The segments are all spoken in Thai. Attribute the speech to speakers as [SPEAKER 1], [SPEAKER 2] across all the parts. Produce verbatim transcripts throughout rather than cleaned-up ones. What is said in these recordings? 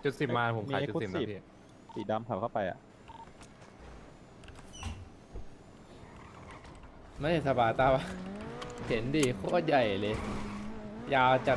[SPEAKER 1] จุดสิบมาผมขายจุดสิบนะพี่
[SPEAKER 2] สีดำขับเข้าไปอ่ะ
[SPEAKER 3] ไม่สบายตาวะเห็นดิโคตรใหญ่เลย ยาวจัด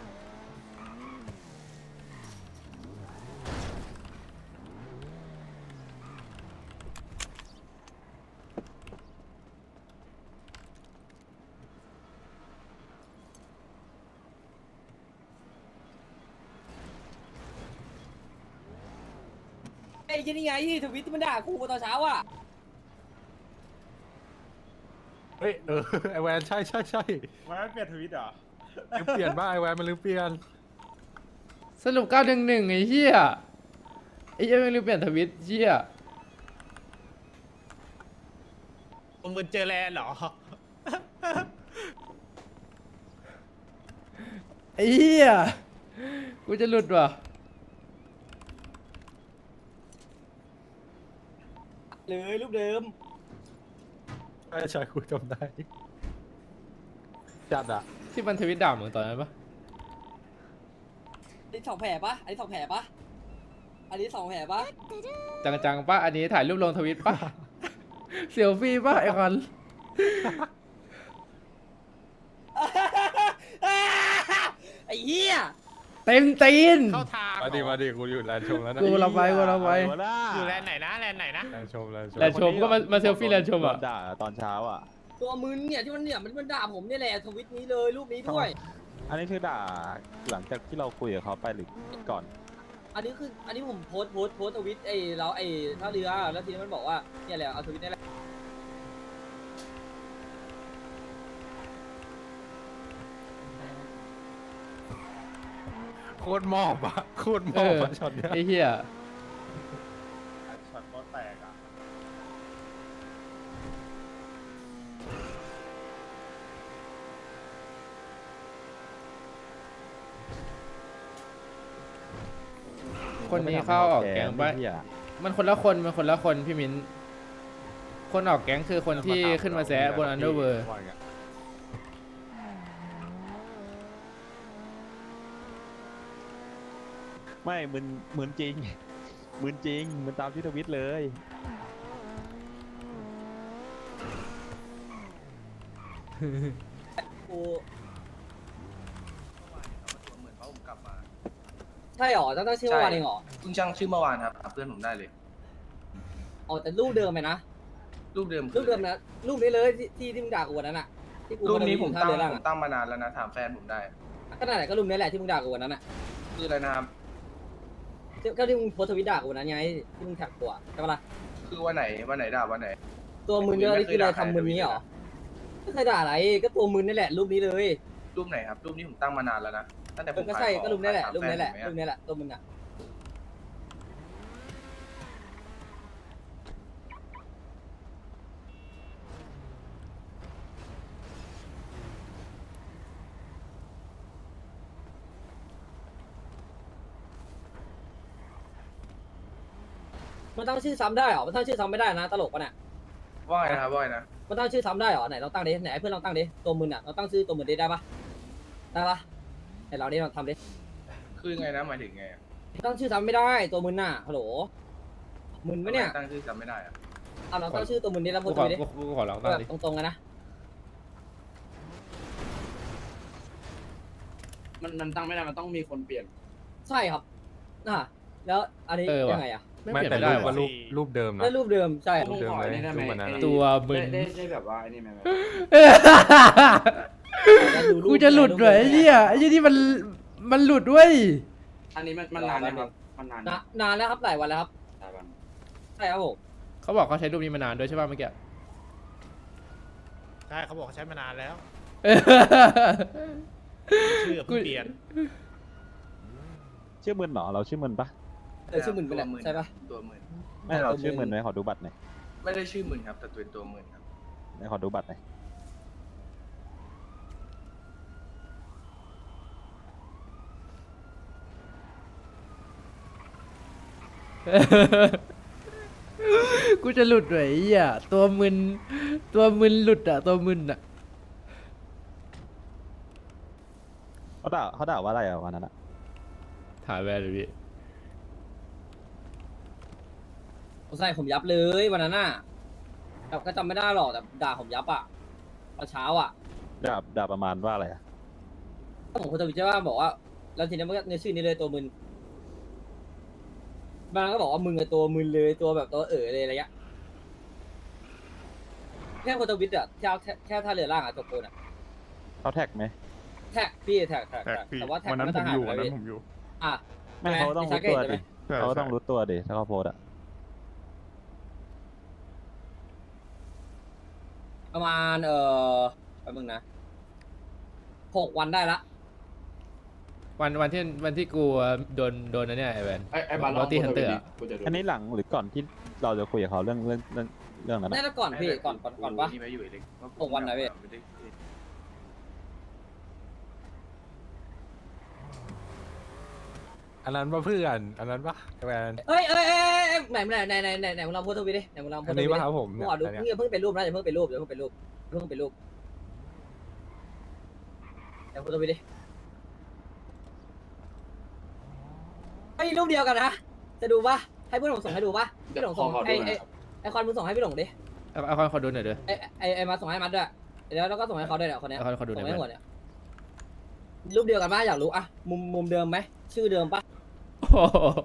[SPEAKER 4] ไอ้ยี่นี่ไงที่ทวิตที่มันด่ากูตอนเช้าอ่ะ
[SPEAKER 1] เฮ้ยเออไอแวนใช่ใช่ใช่
[SPEAKER 5] มันเปลี่ยนทวิตเหรอ
[SPEAKER 1] ลืมเปลี่ยนบ้างไอแวนมันลืมเปลี่ยน
[SPEAKER 3] สรุปเก้าหนึ่งหนึ่งไอ้เหี้ยไอ้เหี้ยไม่รู้เปลี่ยนทวิตเหี้ย
[SPEAKER 5] มึงเจอแลนเหรอ
[SPEAKER 3] ไอ้เหี้ยกูจะหลุดว่ะ
[SPEAKER 4] เลยรูปเดิม
[SPEAKER 1] ใช่ใช่คุยจำได้จัดอะ
[SPEAKER 3] ที่มันทวิตด่ามึงตอนนั้นปะ
[SPEAKER 4] อันนี้สองแผลปะอันนี้สองแผลปะอันนี้สองแผลปะ
[SPEAKER 3] จังๆปะอันนี้ถ่ายรูปลงทวิตปะ เซลฟี่ปะไอคอน
[SPEAKER 4] ไอ้เหี้ย
[SPEAKER 3] เต็มตีน
[SPEAKER 5] เข้าทาง
[SPEAKER 1] มาดิมาดิกูอยู่แลนด์ชมแล้วนะ
[SPEAKER 3] กูเราไปกูเราไป
[SPEAKER 2] อะรวะน่ะ
[SPEAKER 5] อยู่แลนไหนนะแลนไหนนะ
[SPEAKER 1] แลนด์ชมแลนด์ชม
[SPEAKER 3] แลนด์ชมก็มามาเซลฟี่แลนด์ชมอะ
[SPEAKER 2] โดนด่าตอนเช้าอ่ะ
[SPEAKER 4] ตัวมึนเนี่ยที่มันเนี่ยมันมันด่าผมเนี่ยแหละทวิตนี้เลยรูปนี้ด้วย
[SPEAKER 2] อันนี้คือด่าหลังจากที่เราคุยกับเขาไปหรือก่อน
[SPEAKER 4] อันนี้คืออันนี้ผมโพสต์โพสต์โพสต์ทวิตไอ้เราไอ้ท่าเรือแล้วทีนี้มันบอกว่าเนี่ยแหละเอาทวิตนี่แหละ
[SPEAKER 1] โคตรมอบอะโคตรม
[SPEAKER 3] เอ
[SPEAKER 1] อบ
[SPEAKER 3] อ
[SPEAKER 1] อะช็อตเนี้ย
[SPEAKER 3] ไอ้เหี้ย
[SPEAKER 5] ช็อตบอลแตกอ่ะ
[SPEAKER 3] คนนี้เข้าออกแก๊งปะ
[SPEAKER 2] เหี้ย
[SPEAKER 3] มันคนละคนมันคนละคนพี่มิ้นคนออกแก๊งคือคนที่ขึ้นมาแซะบนอันเดอร์เวิร์
[SPEAKER 1] ว่าไง
[SPEAKER 2] ไม่มึนมึนจริงมึนจริงมึนตามที่ทวิตเลย
[SPEAKER 4] กูใช่หรอตั้งแต่ชื่อเมื่อวานเองหรอ
[SPEAKER 6] เพิ่งช่างชื่อเมื่อวานครับหาเพื่อนผมได้เลย
[SPEAKER 4] อ๋อแต่รูปเดิมไหมนะ
[SPEAKER 6] รูปเดิม
[SPEAKER 4] รูปเดิมนะรูปนี้เลยที่ที่ที่มึงด่ากูวันนั้นอะที่กู
[SPEAKER 6] รูปนี้ผม
[SPEAKER 4] ท่า
[SPEAKER 6] ตั้ง
[SPEAKER 4] เรือล่าง
[SPEAKER 6] ผม
[SPEAKER 4] อะ
[SPEAKER 6] ตั้งมานานแล้วนะถามแฟนผมได้
[SPEAKER 4] ก็นั่นแหละก็รูปนี้แหละที่มึงด่ากูวันนั้นอะ
[SPEAKER 6] คืออะไรนะครับ
[SPEAKER 4] ที่ก็ที่มึงโพสต์ทวิตด่ากูวันนั้นไงที่มึงแท็กกูอะใช่ปะล่ะ
[SPEAKER 6] คือวันไหนวันไหนด่าวันไหน
[SPEAKER 4] ตัวมึนเนี่ยนี่คืออะไรทำมึนนี้เหรอไม่เคยด่าอะไรก็ตัวมึนนี่แหละรูปนี้เลย
[SPEAKER 6] รูปไหนครับ รูปนี้ผมตั้งมานานแล้วนะตั้งแต่ผ
[SPEAKER 4] เออ
[SPEAKER 6] ม
[SPEAKER 4] ก็
[SPEAKER 6] ขาย
[SPEAKER 4] ใช่
[SPEAKER 6] ของ
[SPEAKER 4] ก็รูปนี้แหละ
[SPEAKER 6] ถาม
[SPEAKER 4] รูปนี้แหละ
[SPEAKER 6] ฟ
[SPEAKER 4] รูป
[SPEAKER 6] ผมไม
[SPEAKER 4] นี้แหละตัวมึงอะ มันตั้งชื่อซ้ำได้เหรอ มันตั้งชื่อซ้ำไม่ได้นะตลกปะเนี่ย
[SPEAKER 6] ว่าไงนะครับว่าไงนะ
[SPEAKER 4] มันตั้งชื่อซ้ำได้เหรอไหนเราตั้งดิไหนเพื่อนเราตั้งดิตัวมึนอ่ะเราตั้งชื่อตัวมึนดิได้ปะได้ปะไหนเราดิเราทำดิ
[SPEAKER 6] คือไงนะหมายถึงไงอะ
[SPEAKER 4] ตั้งชื่อซ้ำไม่ได้ตัวมึนน่ะฮัลโหลมึนปะเนี่ย
[SPEAKER 6] ทำไมตั้งชื่อจำไม่ได้อะ
[SPEAKER 4] เอาเราตั้งชื่อตัวมึนดิแล้ว
[SPEAKER 3] กู
[SPEAKER 4] พูด
[SPEAKER 3] ขอ
[SPEAKER 4] ไปดิ
[SPEAKER 3] กูกูขอลองตั้ง
[SPEAKER 4] แบ
[SPEAKER 3] ดิ
[SPEAKER 4] บตรงๆกันนะ
[SPEAKER 7] มันมันตั้งไม่ได้ มันต้องมีคนเปลี่ยน
[SPEAKER 4] ใช่ครับอ่ะแล้วอันนี้
[SPEAKER 3] เออว่ะ
[SPEAKER 4] ยังไงอ่ะ
[SPEAKER 3] ไม่
[SPEAKER 1] ไม่
[SPEAKER 3] เปลี่ยน
[SPEAKER 1] แต่
[SPEAKER 3] ไม่ได้
[SPEAKER 1] รูป
[SPEAKER 3] ว่ะ
[SPEAKER 1] ว่ารูปรูปเดิมนะ
[SPEAKER 4] ได้รูปเดิมใช่
[SPEAKER 1] รูปเดิมเลยรูปวันนั้นอะ
[SPEAKER 3] ตัวมึน
[SPEAKER 7] ได้ได้ได้แบบว่าไอ้นี่ไหมแบบ
[SPEAKER 3] กูจะหลุดด้วยไอ้เหี้ยไอ้เหี้ยที่มันมันหลุดด้วย
[SPEAKER 7] อันนี้มันมันนานนะครับมันนาน
[SPEAKER 4] นะนานแล้วครับหลายวันแล้วครับ
[SPEAKER 7] หลายวัน
[SPEAKER 4] ใช่ครับผม
[SPEAKER 3] เขาบอกเขาใช้รูปนี้มานานด้วยใช่ป่ะเมื่อกี้
[SPEAKER 5] ใช่เขาบอกใช้มานานแล้ว
[SPEAKER 3] เออ
[SPEAKER 5] ชื่อเพิ่งเปลี่ยน
[SPEAKER 2] ชื่อมึนเหรอเราชื่อมึนปะ
[SPEAKER 4] เออชื่อมึนไปแหละใช่ปะ
[SPEAKER 6] ตัวหมื่น
[SPEAKER 2] ไม่เราชื่อมึนไหมขอดูบัตรหน่อย
[SPEAKER 6] ไม่ได้ชื่อหมื่นครับแต่เป็นตัวหมื่นครับ
[SPEAKER 2] ไหนขอดูบัตรหน่อย
[SPEAKER 3] กูจะหลุดด้วยไอ้เหี้ยตัวมึนตัวมึนหลุดอะตัวมึนอะ
[SPEAKER 2] เขาด่าเขาด่าว่าอะไรอ่ะวันนั้นอ่ะ
[SPEAKER 3] ถ่ายแวร์เลยพี่
[SPEAKER 4] ใส่ผมยับเลยวันนั้นน่ะแต่ก็จำไม่ได้หรอกแต่ด่าผมยับอ่ะตอนเช้าอ่ะ
[SPEAKER 2] ด่าด่าประมาณว่าอะไรอะ
[SPEAKER 4] ก็ผมคนทวิตใช่ว่าบอกว่าแล้วทีนี้มันก็ในชื่อนี้เลยตัวมึนบางก็บอกว่ามึงอะตัวมึนเลยตัวแบบตัวเอ๋อเลยอะไรเงี้ยแค่คนทวิตอะแค่แค่แค่ท่าเรือล่างอะจบโกนอะ
[SPEAKER 2] เขาแท็กไหม
[SPEAKER 4] แท็กพี่แท็กแท็ก
[SPEAKER 1] แท็ก
[SPEAKER 4] แท็ก
[SPEAKER 1] พี่
[SPEAKER 4] แต่ว่าแท็ก
[SPEAKER 1] วันนั้น
[SPEAKER 4] ก็
[SPEAKER 1] ผมอยู่
[SPEAKER 4] หา
[SPEAKER 1] วัน
[SPEAKER 4] ไป
[SPEAKER 1] นั้นผมอยู่
[SPEAKER 4] อ่ะ
[SPEAKER 2] ไม่
[SPEAKER 4] ใช่ไห
[SPEAKER 2] เขาต้อง
[SPEAKER 4] พี่
[SPEAKER 2] รู้
[SPEAKER 4] ชา
[SPEAKER 2] ตัว
[SPEAKER 4] เกตใช่ไหม
[SPEAKER 2] ดิเขาต้องรู้ตัวดิถ้าเขาโพสต์อะ
[SPEAKER 4] ประมาณเอ่อแป๊บนึงนะหกวันได้ละ
[SPEAKER 3] วันวันที่วันที่กูโดนโดนนะเนี่ยไอแวน
[SPEAKER 7] ไอ้ไอ้บาล
[SPEAKER 3] บ
[SPEAKER 7] อ
[SPEAKER 3] อน ตี้ฮันเตอร์
[SPEAKER 7] กูจะดู
[SPEAKER 2] อันนี้หลังหรือก่อนที่เราจะคุยกับเขาเรื่องเรื่องเรื่องเรื่องนั้น
[SPEAKER 4] ได้
[SPEAKER 2] อะ
[SPEAKER 4] แล้วก่อนพี่ก่อนก่อนก่อนปะ
[SPEAKER 6] นี่ไม่อยู่เล็ก
[SPEAKER 4] หกวันไหนพี่
[SPEAKER 6] ไม่ได้
[SPEAKER 1] อันนั้นป่ะเพื่อนอันนั้นป่ะไอ้แวน
[SPEAKER 4] เอ้ยเอ้ยเอ้ยเอ้ยไหนไหนไหนไหนไหนไหนมึงลองโพสต์ทวิตดิไหนมึงลองโพ
[SPEAKER 1] อั
[SPEAKER 4] ส
[SPEAKER 1] น
[SPEAKER 4] ต์ท
[SPEAKER 1] นี้
[SPEAKER 4] วิต
[SPEAKER 1] ป่ะ
[SPEAKER 4] ดิ
[SPEAKER 1] ครับผม
[SPEAKER 4] มึ
[SPEAKER 1] เนี่
[SPEAKER 4] ง
[SPEAKER 1] ย
[SPEAKER 4] อ่ะดู
[SPEAKER 1] อันเนี้ย
[SPEAKER 4] มึงอย่าเพิ่งเป็นรูปนะอย่าเพิ่งเป็นรูปอย่าเพิ่งเป็นรูปอย่าเพิ่งเป็นรูปเดี๋ยวโพสต์ทวิตดิไอ้ยรูปเดียวกันนะจะดูปะให้เพื่อนผมส่งให้ดูปะพี่หลง
[SPEAKER 7] ข
[SPEAKER 4] ส่
[SPEAKER 7] อง ขอ
[SPEAKER 4] ไอ้
[SPEAKER 7] ดูหน่
[SPEAKER 4] ไอ้
[SPEAKER 7] อยครับ
[SPEAKER 4] ไอ้คอนมึงส่งให้พี่หลงดิ
[SPEAKER 3] เอาเอาคนขอดูหน่อยเด้อ
[SPEAKER 4] ไอ้ไอ้ไอ้มาส่งให้มัดด้วยแล้วเราก็ส่งให้เขาด้วยเนี่ยคนเนี้ย
[SPEAKER 3] เอาคนขอดูห
[SPEAKER 4] ส่
[SPEAKER 3] น่อง ย
[SPEAKER 4] ให้
[SPEAKER 3] แวน
[SPEAKER 4] หมดเนี่ยรูปเดียวกันปะอยากรู้อะมุมมุมเดิมไหมชื่อเดิมปะ
[SPEAKER 3] โอ้โห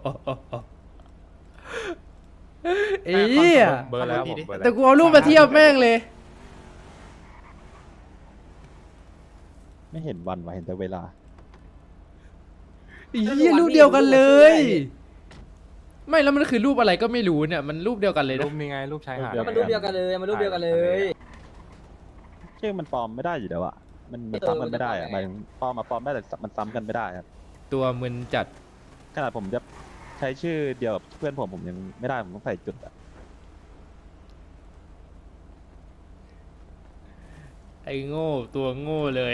[SPEAKER 3] ไอ้เหี้ย
[SPEAKER 1] เบอร์แล้วผมเบอร์แล้ว
[SPEAKER 3] แต่กูเอารูปมาเทียบแม่งเลย
[SPEAKER 2] ไม่เห็นวันวะเห็นแต่เวลา
[SPEAKER 3] ไอ้เหี้ยรูปเดียวกันเลย ไม่แล้วมันคือรูปอะไรก็ไม่รู้เนี่ยมันรูปเดียวกันเลย
[SPEAKER 1] รู
[SPEAKER 3] นะ
[SPEAKER 1] ปนี้ไงรูปชายหาด
[SPEAKER 2] รูป
[SPEAKER 4] มันรูปเดียวกันเลยมันรูปเดียวกันเลย
[SPEAKER 2] ชื่อมันปลอมไม่ได้อยู่แล้วอะมันมันซ้ำกันไม่ได้อะหมายถึงปลอมมาปลอมได้แต่มันซ้ำกันไม่ได้ครับ
[SPEAKER 3] ตัวมึนจัด
[SPEAKER 2] ขนาดผมจะใช้ชื่อเดียวกับเพื่อนผมผมยังไม่ได้ผมต้องใส่จุดอะ
[SPEAKER 3] ไอ้โง่ตัวโง่เลย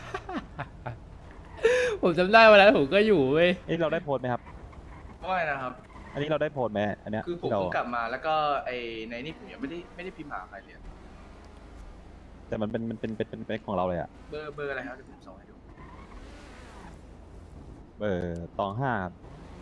[SPEAKER 3] ผมจำได้วันนั้นผมก็อยู่เว้ย
[SPEAKER 2] เอ้ยเราได้โพสต์ไหมครับ
[SPEAKER 6] ว่าไงนะครับ
[SPEAKER 2] อันนี้เราได้โพสต์ไหมอันเนี้ย
[SPEAKER 6] คือผม
[SPEAKER 2] ที่เรา
[SPEAKER 6] เพิ่งกลับมาแล้วก็ไอในนี่ผมยังไม่ได้ไม่ได้พิมพ์หาใครเลย
[SPEAKER 2] แต่มันเป็นมันเป็นเป็นเป็นเป็นของเราเลยอะ
[SPEAKER 6] เบอร์เบอร์อะไรครับเดี๋ยวผมส่งให้ดู
[SPEAKER 2] เออตองห้าครับ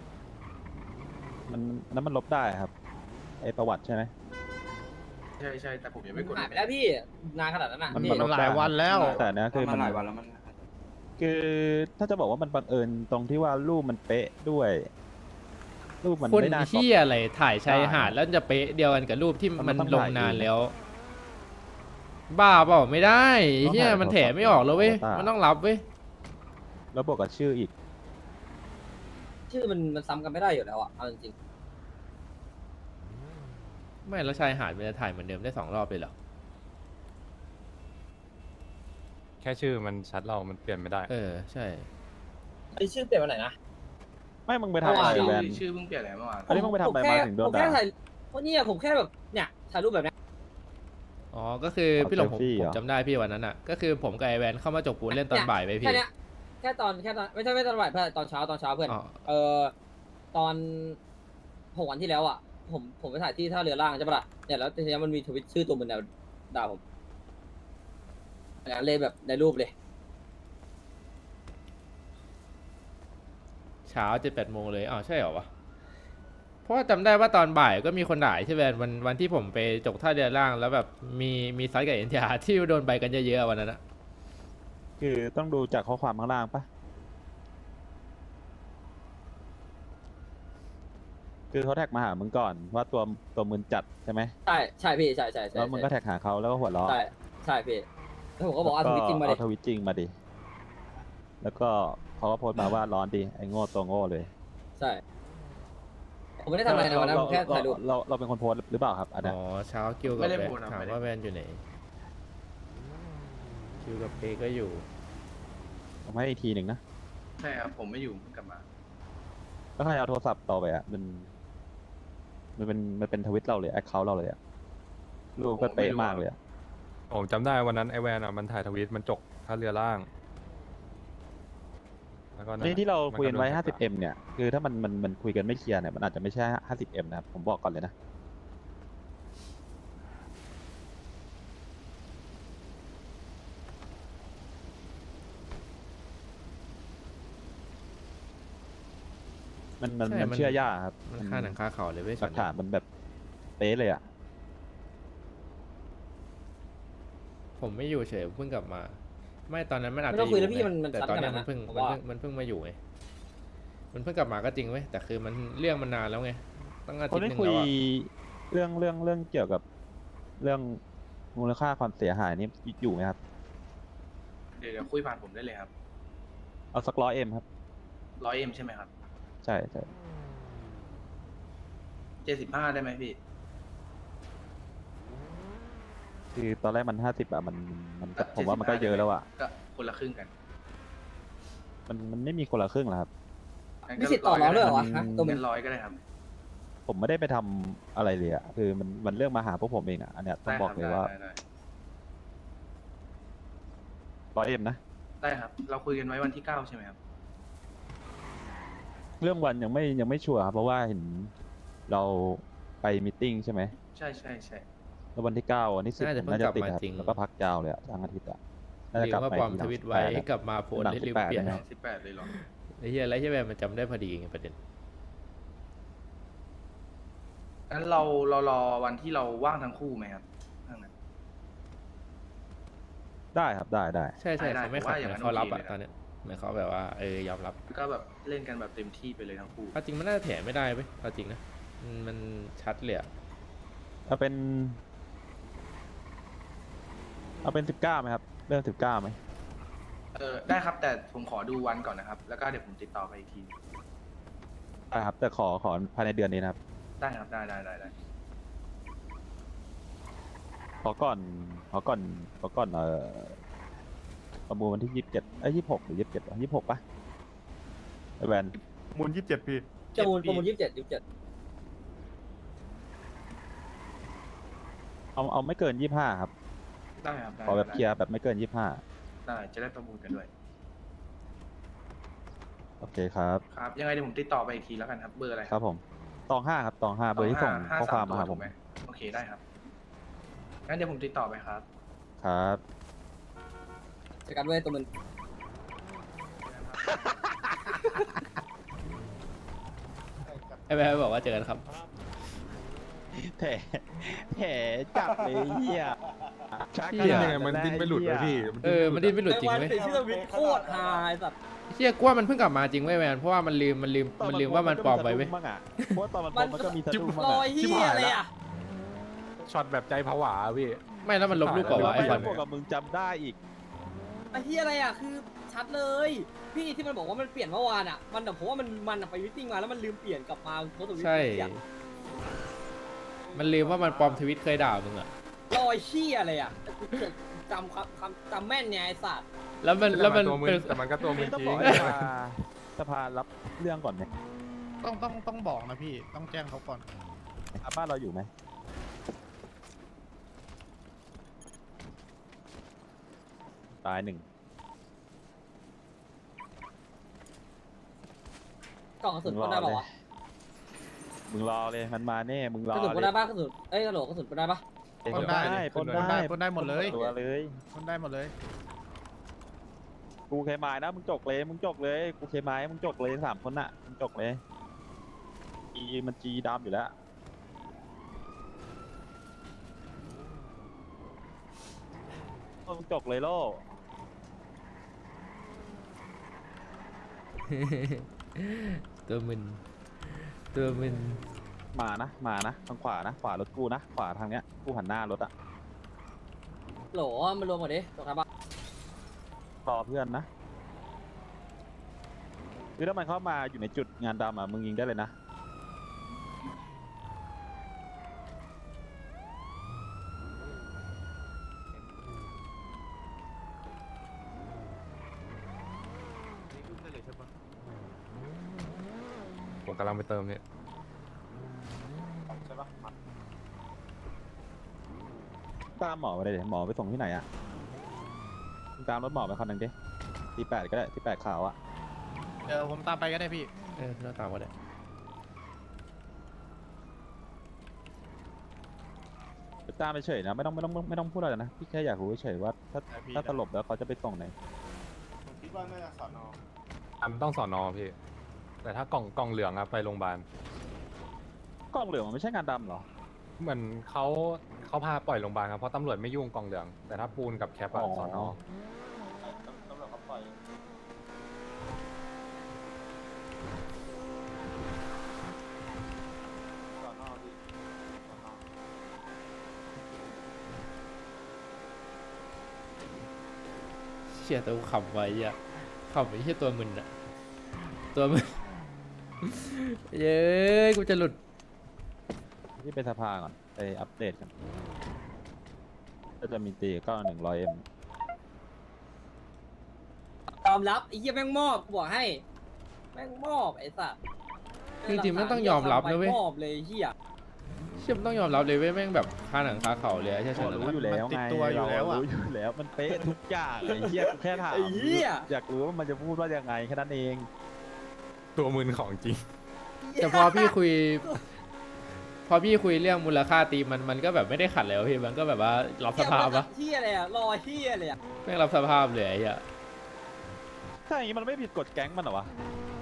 [SPEAKER 2] มันอันนั้นมันลบได้ครับไอประวัติใช่ไหม
[SPEAKER 6] ใช่ใช่แต่ผมยังไม่กด
[SPEAKER 4] หายไปแล้วพี่นานขนาดนั้นน่ะ
[SPEAKER 2] มัน
[SPEAKER 4] พี่
[SPEAKER 2] มันลบ
[SPEAKER 1] หลายวันแล้ว
[SPEAKER 2] แต่อันเนี้ยคือ
[SPEAKER 7] มั
[SPEAKER 2] มัน น
[SPEAKER 7] หลายวันแล้วมัน
[SPEAKER 2] คือถ้าจะบอกว่ามันบังเอิญตรงที่ว่ารูปมันเป๊ะด้วย รูปมัน
[SPEAKER 3] คน
[SPEAKER 2] ไม่น่า
[SPEAKER 3] ที่อะไรถ่ายชายหาดแล้วจะเป๊ะเดียวกันกับรูปที่
[SPEAKER 2] มัน
[SPEAKER 3] มัน
[SPEAKER 2] ต้อง
[SPEAKER 3] ลง
[SPEAKER 2] ถ่าย
[SPEAKER 3] นาน
[SPEAKER 2] เอง
[SPEAKER 3] แล้ว บ้าเปล่าไม่ได้
[SPEAKER 2] ต้อง
[SPEAKER 3] เฮีย
[SPEAKER 2] ถ่าย
[SPEAKER 3] มัน
[SPEAKER 2] โทร
[SPEAKER 3] แถ
[SPEAKER 2] ศัพท์
[SPEAKER 3] ไม่ออกแล้วเว้ย
[SPEAKER 2] โทรศัพท์
[SPEAKER 3] มันต้องรับเว้ย
[SPEAKER 2] แล้วบวกกับชื่ออีก
[SPEAKER 4] ชื่อมันมันซ้ำกันไม่ได้อยู่แล้วอ่ะเอาจริง
[SPEAKER 3] ไม่แล้วชายหาดมันจะถ่ายเหมือนเดิมได้สองรอบเลยเหรอ
[SPEAKER 1] แค่ชื่อมันชัดเรา มันเปลี่ยนไม่ได้
[SPEAKER 3] เออใช่
[SPEAKER 4] ๆไอชื่อเปลี่ยนวันไหนนะ
[SPEAKER 2] ไม่มึงไปทำอะไร
[SPEAKER 6] ชื่อ
[SPEAKER 2] แวน
[SPEAKER 6] ชื่อเพิ่งเปลี่ยนอะไรเมื่อวาน
[SPEAKER 2] อันนี้มึงไปทำอะไร
[SPEAKER 4] ผแค่
[SPEAKER 2] มาถึงโดน
[SPEAKER 4] ผมแค่
[SPEAKER 2] ด่า
[SPEAKER 4] ถ่ายเพราะเนี่ยผมแค่แบบเนี่ยถ่ายรูปแบบเนี้ย
[SPEAKER 3] อ๋อก็คือพี่หลงผม
[SPEAKER 2] เซลฟี่
[SPEAKER 3] ผ
[SPEAKER 2] เหร
[SPEAKER 3] ม
[SPEAKER 2] อ
[SPEAKER 3] จำได้พี่วันนั้นอ่ะก็คือผมกับไอแวนเข้ามาจกปูนเล่นตอนบ่ายไปพี่
[SPEAKER 4] แค่เนี้ยแค่ตอนแค่ตอนไม่ใช่ไม่ตอนบ่ายเพื่อนตอนเช้าตอนเช้าเพื่อน
[SPEAKER 3] อ๋อ
[SPEAKER 4] เออตอนหกวันที่แล้วอ่ะผมผมไปถ่ายที่ท่าเรือล่างใช่ปะล่ะเนี่ยแล้วทีนี้มันมีทวิตชื่อตัวมันแนวด่าผมอย่างนั้นเลยแบบในรูปเลย
[SPEAKER 3] เช้าเจ็ดแปดโมงเลยอ้าวใช่เหรอวะเพราะว่าจำได้ว่าตอนบ่ายก็มีคนด่าใช่ไหมวันวันที่ผมไปจกท่าเรือล่างแล้วแบบมีมีซัดกับเอ็นทีอาร์ที่โดนใบกันเยอะๆวันนั้นอะ
[SPEAKER 2] คือต้องดูจากข้อความข้างล่างปะคือเขาแท็กมาหามึงก่อนว่าตัวตัวมึนจัดใช่ไหม
[SPEAKER 4] ใช่ใช่พี่ใช่ใช่ใช่
[SPEAKER 2] แล้วมึงก็แท็กหาเขาแล้วก็หัวเราะ
[SPEAKER 4] ใช่ใช่พี่แล้วผมก็บอกเอาทวิตจริงมาดิ
[SPEAKER 2] เอาทวิตจริงมาดิ แล้วก็เขาก็โพสต์มาว่าร้อนดีไอ้โง่ตัวโง่เลย
[SPEAKER 4] ใช่ ผมไม่ได้ทำอะไรนะวันนั้นผมแค่ถ่ายรูป
[SPEAKER 2] เราเราเป็นคนโพสต์หรือเปล่าครับอันเนี้ย
[SPEAKER 3] อ๋อเช้าคิวกับ
[SPEAKER 6] ไม่ได้
[SPEAKER 3] แวน
[SPEAKER 6] โพสต์ครับ
[SPEAKER 3] ถาม
[SPEAKER 6] ไม่ได้
[SPEAKER 3] ว่าแวนอยู่ไหนคิวกับเปก็อยู่
[SPEAKER 2] ผมให้อีกทีหนึ่งนะ
[SPEAKER 6] ใช่ครับผมไม่อยู่เพิ่งกลับมา
[SPEAKER 2] แล้วใครเอาโทรศัพท์ต่อไปอ่ะมันมันเป็นมันเป็นทวิตเราเลยแอคเคาท์เราเลยอ่ะรูปก็เป๊ะมากเลยอะ
[SPEAKER 1] ผมจำได้วันนั้นไอแวนอ่ะมันถ่ายทวีตมันจกท่าเรือล่างแล้วก็นั่น
[SPEAKER 2] นี่ที่เราคุยกันไว้
[SPEAKER 1] มัโด
[SPEAKER 2] ห้าสิบเอ็ม เนี่ย คือถ้ามันมันมันคุยกันไม่เคลียร์เนี่ยมันอาจจะไม่ใช่ ห้าสิบเอ็ม นะครับ ผมบอกก่อนเลยนะ มันมัน
[SPEAKER 3] ใช่
[SPEAKER 2] มัน
[SPEAKER 3] มัน
[SPEAKER 2] เชื่อยากครับ
[SPEAKER 3] มันค่าหนังค่าเขาเลยเว้ย
[SPEAKER 2] หลักฐานมันแบบป๊ะเลยอ่ะ
[SPEAKER 3] ผมไม่อยู่เฉยเพิ่งกลับมา ไม่ตอนนั้นมันอาจ
[SPEAKER 4] ไม่
[SPEAKER 3] จะ
[SPEAKER 4] ต้อง
[SPEAKER 3] อ
[SPEAKER 4] คุย
[SPEAKER 3] ยู่
[SPEAKER 4] แล้วพี่
[SPEAKER 3] ไง
[SPEAKER 4] มันมัน
[SPEAKER 3] แต่
[SPEAKER 4] ซัด
[SPEAKER 3] ตอน
[SPEAKER 4] ข
[SPEAKER 3] นั้
[SPEAKER 4] นาด
[SPEAKER 3] น
[SPEAKER 4] นั้
[SPEAKER 3] มัน นเพิ่ง
[SPEAKER 4] ผม
[SPEAKER 3] มัน
[SPEAKER 4] ว่า
[SPEAKER 3] เพิ่งมันเพิ่งมาอยู่ไงมันเพิ่งกลับมาก็จริงเว้ยแต่คือมันเรื่องมันนานแล้วไงตั้งอา
[SPEAKER 2] ค
[SPEAKER 3] ทิต
[SPEAKER 2] น
[SPEAKER 3] ย์ห
[SPEAKER 2] ได้
[SPEAKER 3] นึ่ง
[SPEAKER 2] คุย
[SPEAKER 3] แล้วอะ
[SPEAKER 2] เรื่องเรื่องเรื่องเกี่ยวกับเรื่องมูลค่าความเสียหายนี่อยู่ไหมครับ
[SPEAKER 6] เดี๋ยวเดี๋ยวคุยผ่านผมได้เลยครับ
[SPEAKER 2] เอาสักร้อยเอ็มครับ
[SPEAKER 6] ร้อยเอ็มใช่ไหมครับ
[SPEAKER 2] ใช่ใช่
[SPEAKER 6] เจ็ดสิบห้าได้ไหมพี่
[SPEAKER 2] คือตอนแรกมันห้าสิบอะมันมันก็
[SPEAKER 6] ก็
[SPEAKER 2] ผมว่ามันก็
[SPEAKER 6] เจ็ดสิบห้า
[SPEAKER 2] เยอะแล้วอะ
[SPEAKER 6] ก็คนละครึ่งกัน
[SPEAKER 2] มันมันไม่มีคนละครึ่งหรอครับ
[SPEAKER 6] งั้น
[SPEAKER 4] มี
[SPEAKER 6] ก็
[SPEAKER 4] สิทธิ์ต่อรองด้วยเหรอวะ
[SPEAKER 2] อืม
[SPEAKER 4] ฮะตัวมึ
[SPEAKER 6] เงิ
[SPEAKER 4] ง
[SPEAKER 6] นร้อยก็ได้ครับ
[SPEAKER 2] ผมไม่ได้ไปทำอะไรเลยอะคือมันมันเรื่องมาหาพวกผมเองอะอันเนี้ยต้อง
[SPEAKER 6] ได้
[SPEAKER 2] บอก
[SPEAKER 6] ครับ
[SPEAKER 2] เลย
[SPEAKER 6] ได้
[SPEAKER 2] ว่า
[SPEAKER 6] ได้ได้
[SPEAKER 2] ร้อยเอ็มนะ
[SPEAKER 6] ได้ครับ เราคุยกันไว้วันที่เก้าใช่ไหมครับ
[SPEAKER 2] เรื่องวันยังไม่ยังไม่ชัวร์ครับเพราะว่าเห็นเราไปมีตติ้งใช่ไหม
[SPEAKER 6] ใช่ใช่ใช่
[SPEAKER 2] แล้ววันที่เก้าวันที่สิบ
[SPEAKER 3] น่าจะ
[SPEAKER 2] ผม
[SPEAKER 3] เพิ่ง
[SPEAKER 2] น่าจะ
[SPEAKER 3] กลับ
[SPEAKER 2] ติด
[SPEAKER 3] มา
[SPEAKER 2] ครับ
[SPEAKER 3] จริง
[SPEAKER 2] แล้วก็พักยาวเลยอะทั้งอาทิตย์อะน่าจะ
[SPEAKER 3] ลื
[SPEAKER 2] กลั
[SPEAKER 3] ม
[SPEAKER 2] บ
[SPEAKER 3] ว่า
[SPEAKER 2] ไป
[SPEAKER 3] ปลอม
[SPEAKER 2] ทีห
[SPEAKER 3] ท
[SPEAKER 2] ลัง
[SPEAKER 3] วิต
[SPEAKER 2] สิบ
[SPEAKER 3] ไว้
[SPEAKER 2] แปดครับ
[SPEAKER 3] กลับมาโพสต์
[SPEAKER 2] หลัง
[SPEAKER 3] ได้ลืม
[SPEAKER 2] สิบแปด
[SPEAKER 3] เปลี่ยน
[SPEAKER 2] นะ
[SPEAKER 6] สิบแปดเลยเหรอ
[SPEAKER 3] ไอ้เหี้ยอะไรใช่ไหมมันจำได้พอดีไงประเด็น
[SPEAKER 6] งั้นเราเรารอวันที่เราว่างทั้งคู่ไหมครับถ้างั้น
[SPEAKER 2] ได้ครับได้ได้
[SPEAKER 3] ใช่ใช่
[SPEAKER 6] ได้
[SPEAKER 3] เขาไม่
[SPEAKER 6] ผม
[SPEAKER 3] ขัด
[SPEAKER 6] ว่าอย่าง
[SPEAKER 3] นะ
[SPEAKER 6] นั้น
[SPEAKER 3] เขารับ
[SPEAKER 6] โอเค
[SPEAKER 3] อะ
[SPEAKER 6] เลยนะ
[SPEAKER 3] ตอนเนี้ยเหมือนเขาแบบว่าเออยอมรับ
[SPEAKER 6] ก็แบบเล่นกันแบบเต็มที่ไปเลยทั้งคู่
[SPEAKER 3] เอาจริงมันน่าจะแถไม่ได้เว้ยเอาจริงนะมันมันชัดเลยอะ
[SPEAKER 2] เอาเป็น เอาเป็นสิบเก้าไหมครับเรื่องสิบเก้าไหม
[SPEAKER 6] เออได้ครับ แต่ผมขอดูวันก่อนนะครับ แล้วก็เดี๋ยวผมติดต่อไปอีกที
[SPEAKER 2] ได้ครับ แต่ขอขอภายในเดือนนี้นะครับ
[SPEAKER 6] ได้ครับ ได้ได้ได้ได้
[SPEAKER 2] ขอก่อนขอก่อนขอก่อนเอ่อประมูลวันที่ยี่สิบเจ็ดเอ้ยยี่สิบหกหรือยี่สิบเจ็ดยี่สิบหกปะไอแวน
[SPEAKER 1] มูลยี่สิบเจ็ดพี่
[SPEAKER 4] จะมูลประมูลยี่สิบเจ็ดยี่สิบเจ็ด
[SPEAKER 2] เอาเอาไม่เกินยี่ห้าครับ
[SPEAKER 6] ได้ครับได้
[SPEAKER 2] ขอแบบ
[SPEAKER 6] ได้
[SPEAKER 2] เคลียร์แบบไม่เกินยี่ห้า
[SPEAKER 6] ได้จะได้ประมูลกันด้วย
[SPEAKER 2] โอเคครับ
[SPEAKER 6] ครับ ยังไงเดี๋ยวผมติดต่อไปอีกทีแล้วกันครับ เบอร์อะไร
[SPEAKER 2] ครับผมตองห้าครับตองห้าเบอร์ที่ส่ง
[SPEAKER 6] ห้
[SPEAKER 2] ข้อความมาหา
[SPEAKER 6] ส
[SPEAKER 2] ผม
[SPEAKER 6] ถูกไหโอเคได้ครับ งั้นเดี๋ยวผมติดต่อไปครับ
[SPEAKER 2] ครับ
[SPEAKER 4] เจอกันเว้ยตัวมึง
[SPEAKER 3] ไอ้แม่บอกว่าเจอกันครับ
[SPEAKER 2] แผลแผลจับเลยเหี้ยชัก
[SPEAKER 3] เหี้ย
[SPEAKER 1] ยังไงมันดิ้นไม่หลุดเลยพี่
[SPEAKER 3] เออมันดิ้นไม่หลุดจริง
[SPEAKER 4] ไอ้วัน
[SPEAKER 3] เว้ย
[SPEAKER 4] ติดชื่อวิทโคตรฮาไอ้สัตว์
[SPEAKER 3] เชี่ยกว่ามันเพิ่งกลับมาจริงเว้ยแมนเพราะว่ามันลืมมันลืม
[SPEAKER 2] ตอ
[SPEAKER 3] มันลืมว่ามันปลอมไว้เว้ย
[SPEAKER 2] บ้างอะเพราะว่าตอนมันปลอมมันก็มีสะดุ้งบ้าง
[SPEAKER 4] รอ
[SPEAKER 2] อะ
[SPEAKER 4] ยเฮียเลยอ่ะ
[SPEAKER 1] ช็อตแบบใจผวาพี่
[SPEAKER 3] ไม่แล้วมันลบรูปก่อนวะไอ้
[SPEAKER 2] ไม่
[SPEAKER 3] ฟั
[SPEAKER 2] แล้
[SPEAKER 3] น
[SPEAKER 2] วบวกกับมึงจำได้อีก
[SPEAKER 4] ไอ้เฮียอะไรอ่ะคือชัดเลย พี่ที่มันบอกว่ามันเปลี่ยนเมื่อวานอ่ะมันแต่ผมว่ามันมันอะไปวิตติ้งมาแล้วมันลืมเปลี่ยนกลับมาโพสต์ทวิต
[SPEAKER 3] ใช่
[SPEAKER 4] เปลี่ยน
[SPEAKER 3] มันลืมว่ามันปลอมทวิตเคยด่ามึงอะ
[SPEAKER 4] รอยเฮียเลยอ่ะแต่กูจำคำคำจำแม่นไงไอ้สัตว์
[SPEAKER 3] แล้วมันแล้วมัน
[SPEAKER 1] ตัวมึง
[SPEAKER 3] เป็น
[SPEAKER 1] แต่มันก็ตัวมึง
[SPEAKER 2] ต้อง
[SPEAKER 1] จริ
[SPEAKER 2] บอก
[SPEAKER 1] ง
[SPEAKER 2] ให้สภาสภารับเรื่องก่อนไหม
[SPEAKER 5] ต้องต้องต้องบอกนะพี่ ต้องแจ้งเขาก่อน
[SPEAKER 2] อ่ะบ้านเราอยู่ไหมตายหนึ่ง
[SPEAKER 4] กล่องกระสุนปนได้ป่าวะ
[SPEAKER 2] มึงรอเลยมันมาแน่มึงร
[SPEAKER 4] ก
[SPEAKER 2] อ
[SPEAKER 4] ระสุนปน
[SPEAKER 2] เล
[SPEAKER 4] ได้
[SPEAKER 2] ย
[SPEAKER 4] ปะกระสุนเอ้ยกระโหลกกระสุนปนได้ปะ
[SPEAKER 2] ปนได้ปนได้
[SPEAKER 5] ปนได้หมดเลย
[SPEAKER 2] ตัวเลย
[SPEAKER 5] คนได้หมดเลย
[SPEAKER 2] กูเคมายนะมึงจกเลยมึงจกเลยกูเคมายมึงจกเลยสามคนน่ะมึงจกเลยจีมันจีดำอยู่แล้วมึงจกเลยโล่
[SPEAKER 3] ตัวมึนตัวมึน
[SPEAKER 2] มานะมานะทางขวานะขวารถกูนะขวาทางเนี้ยกูหันหน้ารถอะ
[SPEAKER 4] โหลมันรวมหมดดิตรงครับปะ
[SPEAKER 2] รอเพื่อนนะคือถ้ามันเข้ามาอยู่ในจุดงานดำอะมึงยิงได้เลยนะ
[SPEAKER 1] ผมกำลังไปเติมเนี่ย
[SPEAKER 2] ตามหมอไปเลยดิหมอไปส่งที่ไหนอะมึงตามรถหมอไปคันหนึ่งดิทีแปดก็ได้ทีแปดขาวอะ
[SPEAKER 5] เดี๋ยวผมตามไปก็ได้พี่
[SPEAKER 3] เออหน้าตามก็ได้
[SPEAKER 2] ไปตามไปเฉยนะไม่ต้องไม่ต้องไม่ต้องพูดอะไรนะพี่แค่อยากรู้เฉยๆว่าถ้า
[SPEAKER 5] ได้พี่
[SPEAKER 2] ถ้าสลบแล้วเขาจะไปส่งไหน
[SPEAKER 5] ผมคิดว่าน่าจะสอนอ
[SPEAKER 1] อ่ะมันต้องสอนอพี่ แต่ถ้ากล่องกล่องเหลืองอะไปโรงพยาบาล
[SPEAKER 2] กล้องเหลืองมันไม่ใช่งานดำเหรอ
[SPEAKER 1] เหมือนเขาเขาพาปล่อยโรงพยาบาลครับเพราะตำรวจไม่ยุ่งกองเหลือง แต่ถ้าปูนกับแคปอะสอนอ
[SPEAKER 2] ตำรวจเขาปล่อย
[SPEAKER 3] เชี่ยตัวกูขำไว้อะขำไอ้เชี่ยตัวมึนอะตัวมึน เย้ยกูจะหลุด
[SPEAKER 2] ที่เป็นสภาก่อนไปอัปเดตกันก็จะมีตีก็หนึ่งร้อยเอ็ม
[SPEAKER 4] ยอมรับไอ้เหี้ยแม่งมอบกูบอกให้ แม่งมอบไอ้สัส
[SPEAKER 3] จริงๆมันต้องยอมรับนะเว้ย
[SPEAKER 4] มอบเลยไอ้เหี้ย
[SPEAKER 3] เชี่ยมันต้องยอมรับเลยเว้ยแม่งแบบคาหนังคาเขาเลยอะใช่
[SPEAKER 2] เรา
[SPEAKER 3] ใช่
[SPEAKER 2] รู้อยู่แล้วไงเรารู้อยู่แล้วมันเป๊ะทุกอย่างไอ้เหี้ยกูแค่ถาม
[SPEAKER 4] ไอ้เหี้ย
[SPEAKER 2] อยากรู้ว่ามันจะพูดว่ายังไงแค่นั้นเอง
[SPEAKER 1] ตัวมึนของจริง
[SPEAKER 3] แต่พอพี่คุย พอพี่คุยเรื่องมูลค่าตีมมันมันก็แบบไม่ได้ขัดแล้วะพี่มันก็แบบว่ารับสภาพปะ
[SPEAKER 4] เหี้ยอะไรอะรอเหี้ยเลยอะ
[SPEAKER 3] แม่งรับสภาพเลยไอ้เหี้ย
[SPEAKER 2] ถ้าอย่างนี้มันไม่ผิดกฎแก๊งมันเหรอวะ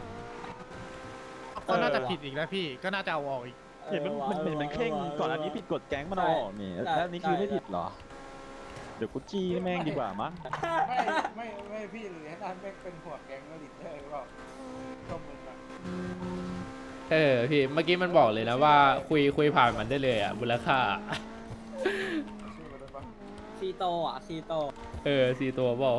[SPEAKER 5] ก็น่าจะผิดอีกแล้วพี่ ก็น่าจะเอาออกอีก
[SPEAKER 2] เห็นมันมันเห็นมันเข่งก่อนอันนี้ผิดกฎแก๊งมันเอาออกนี่แล้วอันนี้คือไม่ผิดเหรอ เดี๋ยวกูจี้แม่งดีกว่ามั้ง
[SPEAKER 8] ไม่ไม่ไม่พี่หรือให้นั่นแม่งเป็นหัวแก๊งแล้วลิเตอร์หรือเปล่าก็มึงอะ
[SPEAKER 3] เออพี่เมื่อกี้มันบอกเลยนะว่าคุยคุยผ่านมันได้เลยอะมูลค่า
[SPEAKER 8] ชื่อมันได้ปะ
[SPEAKER 4] ซีโตอ่ะซีโต
[SPEAKER 3] เออสี่ตัวบอก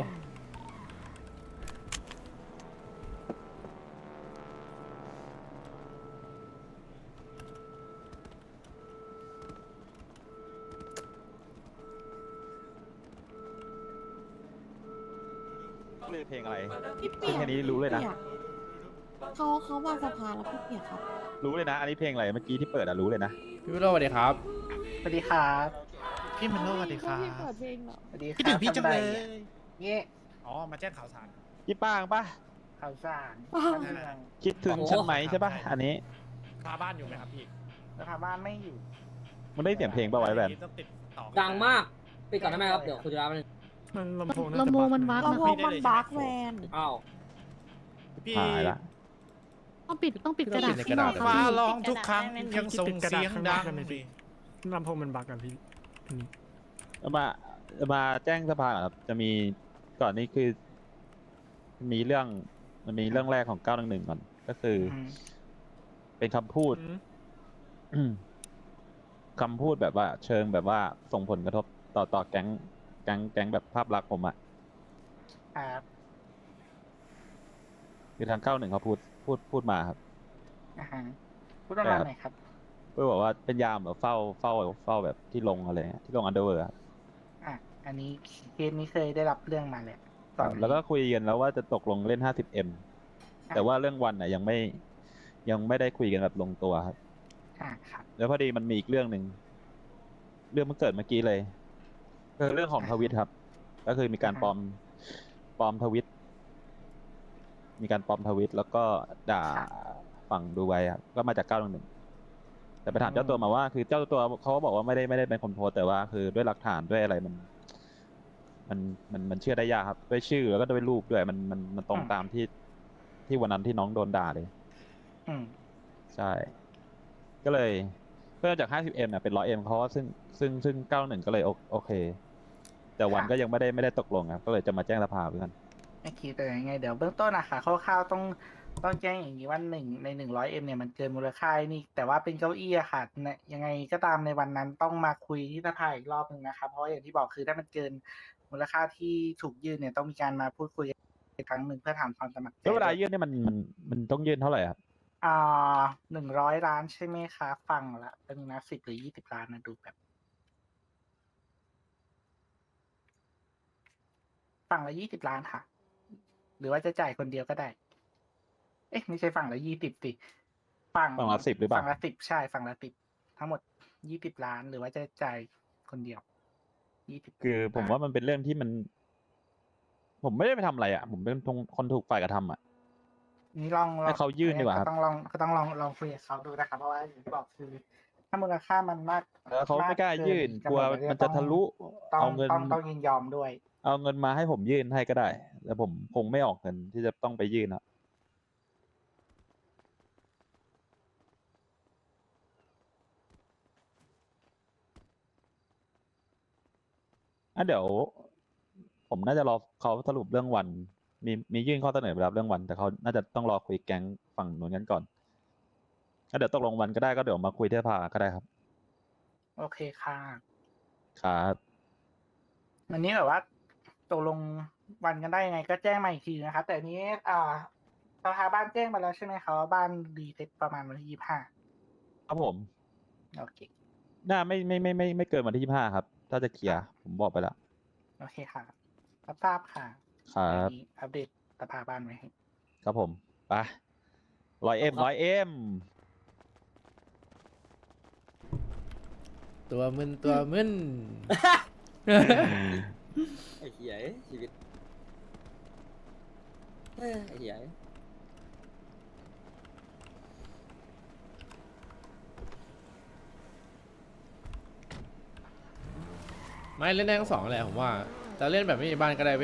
[SPEAKER 2] เลยเพลงอะไร
[SPEAKER 9] พี่เปียก
[SPEAKER 2] แค่นี้รู้เลยนะ
[SPEAKER 9] เขาเขามาสภาแล้วพี่เปียกครับ
[SPEAKER 2] รู้เลยนะ อันนี้เพลงอะไรเมื่อกี้ที่เปิดอะรู้เลยนะ
[SPEAKER 3] พี่วิโรจน์สวัสดีครับ
[SPEAKER 7] สวัสดีครับ
[SPEAKER 5] พี่มันโลสวัสดีครับ
[SPEAKER 9] พี่เปิดเพลงเหรอ
[SPEAKER 7] สวัสดีครับ
[SPEAKER 5] พี่ถึงพี่จังเลย
[SPEAKER 7] เงี้ย
[SPEAKER 5] อ๋อ มาแจ้งข่าวสาร
[SPEAKER 2] พี่ป้างปะ
[SPEAKER 7] ข่าวสาร
[SPEAKER 9] อ้าว
[SPEAKER 7] เมือง
[SPEAKER 2] คิดถึงฉันไหมใช่ปะอันนี้
[SPEAKER 5] พาบ้านอยู่ไหมครับพี่
[SPEAKER 7] สภาบ้านไม่อยู่
[SPEAKER 2] มันได้เสียงเพลงป่าวไว้แบบ
[SPEAKER 5] ต้องติดต่อ
[SPEAKER 4] ดังมากปิดก่อนได้ไหมครับเดี๋ยวคุณจะรับมัน
[SPEAKER 5] มันลำโพง
[SPEAKER 9] ลำโพงมันบั๊ก
[SPEAKER 5] ลำ
[SPEAKER 9] ลำ
[SPEAKER 5] โพ
[SPEAKER 9] โพ
[SPEAKER 5] ง
[SPEAKER 9] งมันบั๊กแวน
[SPEAKER 4] อ้าว
[SPEAKER 5] พี่
[SPEAKER 2] หายละ
[SPEAKER 9] ต้องปิดต้องปิดกระดาษ
[SPEAKER 3] ปิด
[SPEAKER 9] ข้างนอก
[SPEAKER 3] กระดาษ
[SPEAKER 9] ครับ
[SPEAKER 5] ฟ้า
[SPEAKER 9] พี่
[SPEAKER 5] ร้องทุกครั้งยังส่งเสียงดัง
[SPEAKER 10] ลำโพงมันบักกันพี่
[SPEAKER 2] เอามาเอามาแจ้งสภาก่อนครับ จะมีก่อนนี้คือ มีเรื่องมันมีเรื่องแรกของเก้าหนึ่งหนึ่งก่อน ก็คืออ
[SPEAKER 7] ม
[SPEAKER 2] เป็นคำพูด คำพูดแบบว่า เชิงแบบว่าส่งผลกระทบต่อต่อแก๊งแก๊งแก๊งแบบภาพลักษณ์ผมอะ
[SPEAKER 7] ครับ
[SPEAKER 2] คือทางเก้าหนึ่งเขาพูดพูดพูดมาครับ
[SPEAKER 7] อ่าฮะพูดประมาณไหนครับ
[SPEAKER 2] เพื่อบอกว่าเป็นยามแบบเฝ้าเฝ้าเฝ้าแบบที่ลงอะไรเงี้ยที่ลงอันเดอร์เวิร์
[SPEAKER 7] อ่ะ อันนี้เคสนี้เคยได้รับเรื่องมาแหละตอนนี้
[SPEAKER 2] แล้วก็คุยกันแล้วว่าจะตกลงเล่น ห้าสิบเอ็ม
[SPEAKER 7] อ่ะ
[SPEAKER 2] แต่ว่าเรื่องวันน่ะยังไม่ยังไม่ได้คุยกันแบบลงตัวครับ
[SPEAKER 7] อ่าครับ
[SPEAKER 2] แล้วพอดีมันมีอีกเรื่องหนึ่งเรื่องมันเกิดเมื่อกี้เลยคือเรื่องของทวิตครับ ก็คือมีการปลอมปลอมทวิต มีการปลอมทวิต แล้วก็ด่าฝั่งดูไบครับก็มาจากเก้าหนึ่งหนึ่งแต่ไปถามเจ้าตัวมาว่า คือเจ้าตัวเขาก็บอกว่าไม่ได้ไม่ได้เป็นคนโพสต์แต่ว่าคือด้วยหลักฐานด้วยอะไรมัน มันมันมันเชื่อได้ยากครับ ด้วยชื่อแล้วก็ด้วยรูปด้วยมันมันมันตรงตามที่ที่วันนั้นที่น้องโดนด่าเลย
[SPEAKER 7] อืม
[SPEAKER 2] ใช่ ก็เลยเพิ่มจาก ห้าสิบเอ็ม เนี่ยเป็น หนึ่งร้อยเอ็ม เพราะว่าซึ่งซึ่งซึ่ง เก้าหนึ่ง ก็เลยโอโอเค แต่วันก็ยังไม่ได้ไม่ได้ตกลงครับ ก็เลยจะมาแจ้งสภาเพื่อน
[SPEAKER 7] ไม่คิดแต่ยังไง เดี๋ยวเบื้องต้นอะค่ะคร่าวๆต้องต้องแจ้งอย่างนี้ว่าหนึ่งในหนึ่งร้อยเอ็มเนี่ยมันเกินมูลค่านี่ แต่ว่าเป็นเก้าอี้อะค่ะเนี่ยยังไงก็ตามในวันนั้นต้องมาคุยที่สภาอีกรอบหนึ่งนะครับ เพราะว่าอย่างที่บอกคือถ้ามันเกินมูลค่าที่ถูกยื่นเนี่ยต้องมีการมาพูดคุยอีกครั้งหนึ่งเพื่อถามความสมัครใจ
[SPEAKER 2] แล้วเวลายื่นเนี่ยมันมันมันต้องยื่นเท่าไหร่ครับ
[SPEAKER 7] อ่าหนึ่งร้อยล้านใช่ไหมคะฟังละเป็นนะสิบหรือยี่สิบล้านนะดูแบบฝั่งละยี่สิบล้านค่ะ หรือว่าจะจ่ายคนเดียวก็ได้ เอ๊ะไม่ใช่ฝั่งละยี่สิบสิฝั่ง
[SPEAKER 2] ฝั่งละสิบหรือเปล่า
[SPEAKER 7] ฝั่งละสิบใช่ฝั่งละสิบทั้งหมดยี่สิบล้าน หรือว่าจะจ่ายคนเดียวยี่สิบ
[SPEAKER 2] คือผมว่ามันเป็นเรื่องที่มัน ผมไม่ได้ไปทำอะไรอ่ะ ผมเป็นคนถูกฝ่ายกระทำอ่ะ
[SPEAKER 7] นี่ลองลอง
[SPEAKER 2] ให้เขายื่นดีกว่าครับ
[SPEAKER 7] ก็ต้องลองก็ต้องลองลองคุยกับเขาดูนะครับเพราะว่าอย่างที่บอกคือ ถ้ามูลค่ามันมาก
[SPEAKER 2] แล้วเขาไม่กล้ายื่น
[SPEAKER 7] มาก
[SPEAKER 2] กลัว
[SPEAKER 7] เกิ
[SPEAKER 2] มันจะทะลุ
[SPEAKER 7] ต้อง
[SPEAKER 2] เอาเงิน
[SPEAKER 7] ต้องต้องยินยอมด้วย
[SPEAKER 2] เอาเงินมาให้ผมยื่นให้ก็ได้ แต่ผมคงไม่ออกเงินที่จะต้องไปยื่นอ่ะอ่ะเดี๋ยว ผมน่าจะรอเขาสรุปเรื่องวัน มีมียื่นข้อเสนอไปแล้วเรื่องวัน แต่เขาน่าจะต้องรอคุยแก๊งฝั่งนู้นกันก่อนอ่ะเดี๋ยวตกลงวันก็ได้ก็เดี๋ยวมาคุยที่สภาก็ได้ครับ
[SPEAKER 7] โอเคค่ะ
[SPEAKER 2] ครับ
[SPEAKER 7] วันนี้แบบว่าตกลงวันกันได้ยังไงก็แจ้งมาอีกทีนะครับ แต่อันนี้อ่าสภาบ้านแจ้งมาแล้วใช่ไหมครับว่าบ้านรีเซ็ตประมาณวันที่ยี่สิบห้า
[SPEAKER 2] ครับผม
[SPEAKER 7] โอเค
[SPEAKER 2] น่าไม่ไม่ไม่ไม่ไม่เกินวันที่ยี่สิบห้าครับ ถ้าจะเคลียร์ผมบอกไปแล้ว
[SPEAKER 7] โอเคค่ะรับทราบค่ะ
[SPEAKER 2] ครับ
[SPEAKER 7] อันนี้อัปเดตสภาบ้านไว้ให้
[SPEAKER 2] ครับผม ไปร้อยเอ็มร้อยเอ็ม
[SPEAKER 3] ตัวมึนตัวมึน
[SPEAKER 4] ไอ้เหี้ยชีวิตเอ้ยไอ้เหี้ย
[SPEAKER 3] ไม่เล่นได้ทั้งสองแหละผมว่าแต่เล่นแบบไม่มีบ้านก็ได้ไป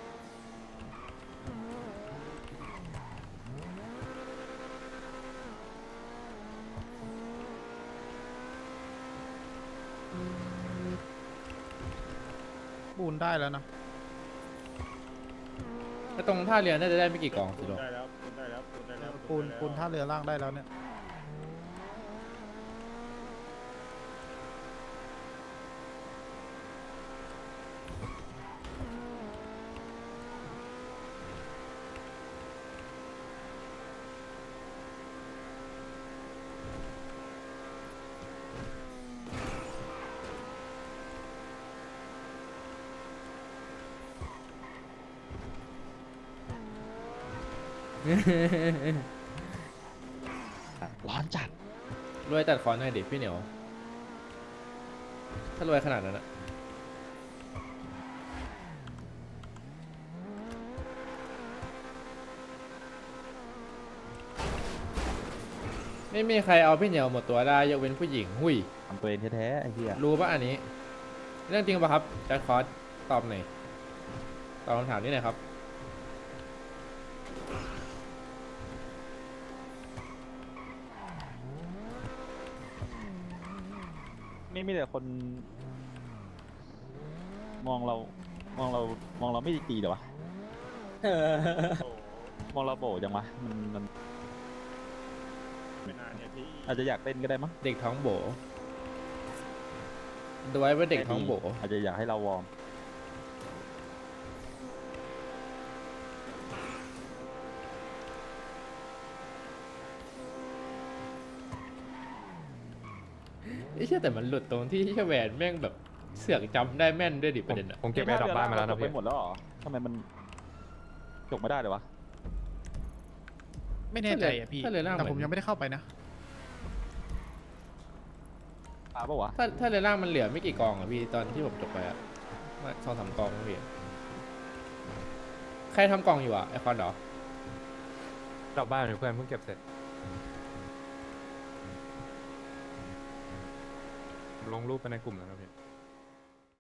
[SPEAKER 5] ปูนได้แล้วนะ
[SPEAKER 3] ถ้าตรงท่าเรือน่าจะได้ไม่กี่กองสิโล
[SPEAKER 10] ได้แล้วปูนได้แล้วปูนได้แล้ว
[SPEAKER 5] ปูนปูนท่าเรือล่างได้แล้วเนี่ย
[SPEAKER 2] ร้อนจัด
[SPEAKER 3] รวยตัดคอนหน่อยดิพี่เหนียว ถ้ารวยขนาดนั้นอะไม่มีใครเอาพี่เหนียวหมดตัวได้ยกเว้นผู้หญิงหุย
[SPEAKER 2] ทำตัวเองแท้ๆไอ้เหี้ย
[SPEAKER 3] รู้ป่ะอันนี้ เรื่องจริงป่ะครับจัดคอร์สตอบหน่อยตอบคำถามนี้หน่อยครับ
[SPEAKER 2] ไม่มีแต่คน มองเรา มองเรา มองเราไม่ดีเหรอวะ มองเราโบจังวะ มันมัน
[SPEAKER 10] ไม่นานเนี่ยพี่
[SPEAKER 2] อาจจะอยากเล่นก็ได้มั้ง
[SPEAKER 3] เด็กท้องโบดูไว้ว่าเด็กท้องโบ
[SPEAKER 2] อาจจะอยากให้เราวอร์ม
[SPEAKER 3] ไอ้เชี่ยแต่มันหลุดตรงที่แค่แหวนแม่งแบบเสือกจำได้แม่นด้วยดิ
[SPEAKER 1] ผ
[SPEAKER 3] ประ
[SPEAKER 1] ม
[SPEAKER 3] เด็นอะ
[SPEAKER 1] ผมเก็บแอร์ดรอปบ้านมาแล้วนะ
[SPEAKER 2] จบ
[SPEAKER 1] พี่
[SPEAKER 2] ไปหมดแล้วเหรอทำไมมันจบไม่ได้เลยวะ
[SPEAKER 5] ไม่แน่ใจอ่ะพี่
[SPEAKER 3] ถ้าเรือล่าง
[SPEAKER 5] แต่
[SPEAKER 3] เห
[SPEAKER 5] ผ
[SPEAKER 3] มื
[SPEAKER 5] ม
[SPEAKER 3] อน
[SPEAKER 5] ยังไม่ได้เข้าไปนะ
[SPEAKER 2] ตาปะวะ
[SPEAKER 3] ถ้าถ้าเรือล่างมันเหลือไม่กี่กองอะพี่ตอนที่ผมจบไปอะว่าสองสามกองนะพี่ใครทำกองอยู่อะไอคอนเหรอ
[SPEAKER 1] ดรอปบ้านอยู่เพื่อนเพิ่งเก็บเสร็จผมลงรูปไปในกลุ่มแล้วนะพี่